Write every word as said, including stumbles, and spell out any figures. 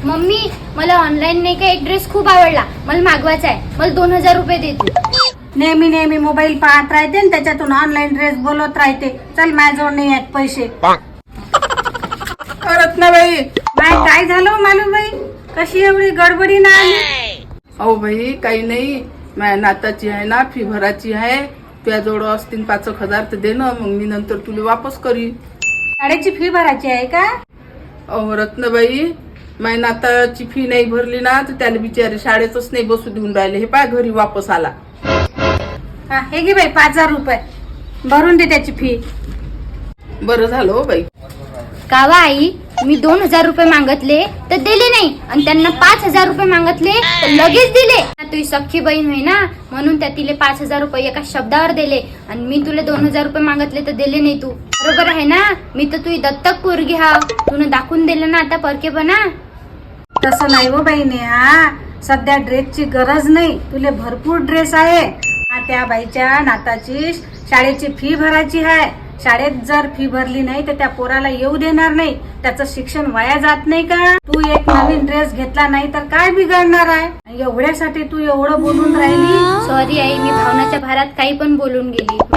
Mummy मला online नाही का एक ड्रेस खूप आवडला, मला मागवायचा आहे, मला दोन हजार रुपये दे तू. नेहमी नेहमी मोबाईल पाहत राहते आणि त्याच्यातून ऑनलाईन ड्रेस बोलत राहते. चल माझ्याजवळ नाही आहेत पैसे. रत्नाबाई, बाय काय झालं मालूबाई, कशी एवढी गडबडी ना आली? अहो बाई काही नाही, माझ्या नाताची आहे ना, फी भराची आहे. तुझ्याजवळ असतील पाच एक हजार तर दे ना, मग मी नंतर तुला वापस करी. शाळेची फी भरायची आहे का? अहो रत्नाबाई, माझ्या नाताची फी नाही भरली ना तर त्याला बिचारे शाळेतच नाही बसू देऊन राहिले. हे पाय घरी वापस आला. हा हे घे बाई पाच हजार रुपये भरून दे त्याची फी. बरं झालं हो बाई. कावा आई, मी दोन हजार रुपये मागितले तर दिले नाही, आणि त्यांना पाच हजार रुपये मागितले तर लगेच दिले. तुझी सख्खी बहीण होय ना, म्हणून त्या तिले पाच हजार रुपये एका शब्दावर दिले, आणि मी तुला दोन हजार रुपये मागितले तर दिले नाही. तू बरोबर आहे ना, मी तर तुझी दत्तक पोरगी हाव. तुला दाखवून दिलं ना आता परकेपणा. तसं नाही हो बहिणी, हा सध्या ड्रेसची गरज नाही, तुले भरपूर ड्रेस आहे. हा त्या बाईच्या नाताची शाळेची फी भरायची आहे. शाळेत जर फी भरली नाही तर त्या पोराला येऊ देणार नाही, त्याचं शिक्षण वाया जात नाही का? तू एक नवीन ड्रेस घेतला नाही तर काय बिघडणार आहे? एवढ्यासाठी तू एवढं बोलून राहिली? सॉरी आई, मी भावनाच्या भारात काही पण बोलून गेली.